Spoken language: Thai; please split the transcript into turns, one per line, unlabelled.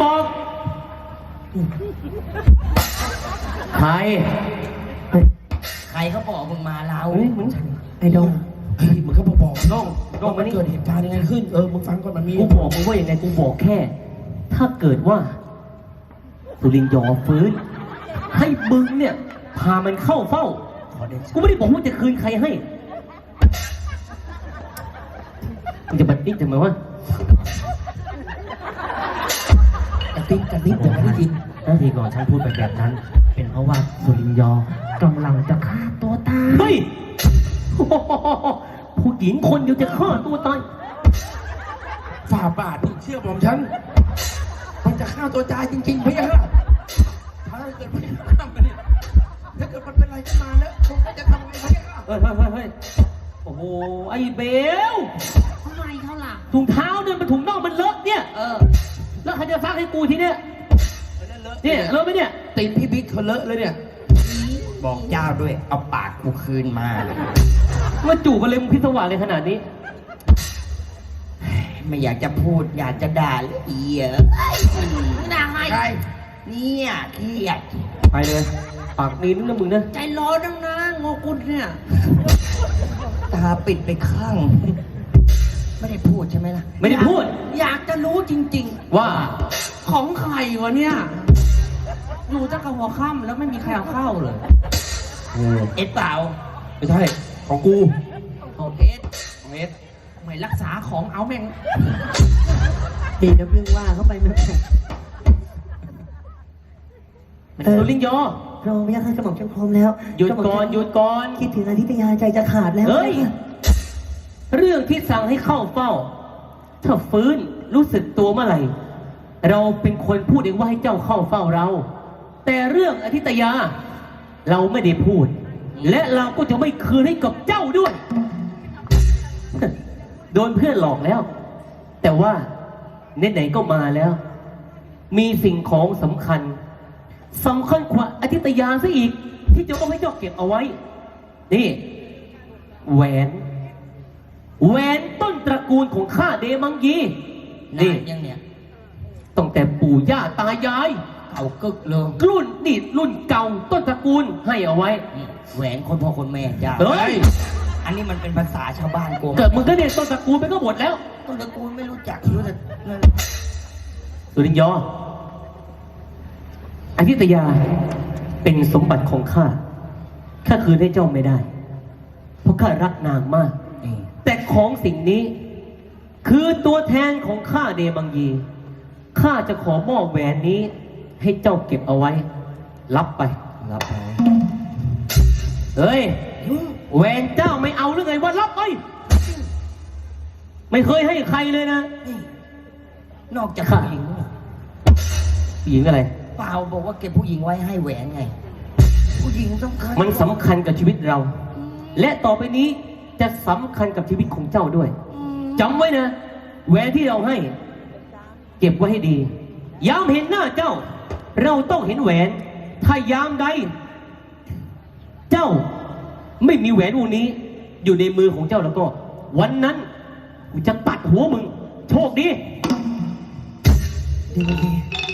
บอกใครเขาบอกมึงมาเรา
ไอ้ดง
มึงก็บอกน้องมันเกิดเหตุการณ์ยังไงขึ้นมึงฟังก่อนมันมี
กูบอกมึงว่าอย่างไงกูบอกแค่ถ้าเกิดว่าสุรินทร์ยอมฟื้นให้มึงเนี่ยพามันเข้าเฝ้ากูไม่ได้บอกว่าจะคืนใครให้มึงจะบัดดิ้งทำไมวะ
กระติ๊บแต่ไม่ได้ยิน
ทีก่อนฉันพูดไปแบบนั้นเป็นเพราะว่าสุรินทร์ยอกำลังจะฆ่าตัวตายเฮ้ยผู้หญิงคนเดียวจะฆ่าตัวตาย
ฝ่าบาทนี่เชื่อผมฉันมันจะฆ่าตัวตายจริงๆพี่ฮะถ้าเกิดมันทำกันเนี่ยถ้าเกิดมันเป็นอะไรขึ้นมาแล้วผมจะทำไงพี่ฮะ
เฮ้ยโอ้โหไอ้เบล
ทำไมเขาล่ะ
ถุงเท้าเนี่ยมันถุงน่องมันเลอะเนี่ยแล้วใครจะซักให้กูทีเนี้ยเนี่ยเลอะไหมเนี่ย
ตีนพี่บิ๊กเขาเลอะเลยเนี่ย
บอกเจ้าด้วยเอาปากกูคืนมา
ว่าจูบอะไรมึงพิศวาสเลยขนาดนี้
ไม่อยากจะพูดอยากจะด่าเลยเยอะ
ด่าไง
เนี่ยเครียด
ไปเลยปากนี้นึกนะมึงนะ
ใจร้อนนังนะงอกุลเนี่ย
ตาปิดไปข้างไม่ได้พูดใช่ไหมล่ะ
ไม่ได้พูด
อยากจะรู้จริง
ๆว่า
ของใครวะเนี่ยอยู่ตั้งแต่หัวค่ำแล้วไม่มีใครเอาเข้าเลย
เอ็ดเปล่า
ไม่ใช่ของกู
ของเอส
ไม่รักษาของเอาแม่ง
ดีนะเพิ่งว่าเข้าไปมัน
สุรินทร์ยอ
รอไม่ยากให้กระหม่อมฉันพร้อมแล้ว
หยุดก่อน
คิดถึงอธิตยาใจจะขาดแล้ว
เฮ้ยเรื่องที่สั่งให้เข้าเฝ้าถ้าฟื้นรู้สึกตัวเมื่อไหร่เราเป็นคนพูดเองว่าให้เจ้าเข้าเฝ้าเราแต่เรื่องอธิตยาเราไม่ได้พูดและเราก็จะไม่คืนให้กับเจ้าด้วยโดนเพื่อนหลอกแล้วแต่ว่าไหนๆก็มาแล้วมีสิ่งของสำคัญกว่าอธิตยาซะอีกที่จะต้องให้เจ้าเก็บเอาไว้นี่แหวนต้นตระกูลของข้าเดมังยี
นี่ยังเนี่ย
ตั้งแต่ปู่ย่าตายาย
เก่ากึกเลย
รุ่นเก่าต้นตระกูลให้เอาไว้
แหวนคนพ่อคนแม่จ้า
เฮ้ย
อันนี้มันเป็นภาษาชาวบ้านกู
เกิดมึงก็เนี่ยต้นตระกูลไปก็หมดแล้ว
ต้นตระกูลไม่รู้จักรู้แต่
สุรินทร์ยออธิตยาเป็นสมบัติของข้าคืนให้เจ้าไม่ได้เพราะข้ารักนางมากแต่ของสิ่งนี้คือตัวแทนของข้าเดมังยีข้าจะขอมอบแหวนนี้ให้เจ้าเก็บเอาไว้รับไปเฮ้ยแหวนเจ้าไม่เอาหรือไงว่ารับไปไม่เคยให้ใครเลยนะ
นอกจากผู้หญิง
อะไร
เปล่าบอกว่าเก็บผู้หญิงไว้ให้แหวนไงผู้หญิงสำคัญ
มันสำคัญกับชีวิตเราและต่อไปนี้จะสำคัญกับชีวิตของเจ้าด้วยจำไว้นะแหวนที่เราให้เก็บไว้ให้ดียามเห็นหน้าเจ้าเราต้องเห็นแหวนถ้ายามใดเจ้าไม่มีแหวนวงนี้อยู่ในมือของเจ้าแล้วก็วันนั้นกูจะตัดหัวมึงโชคดี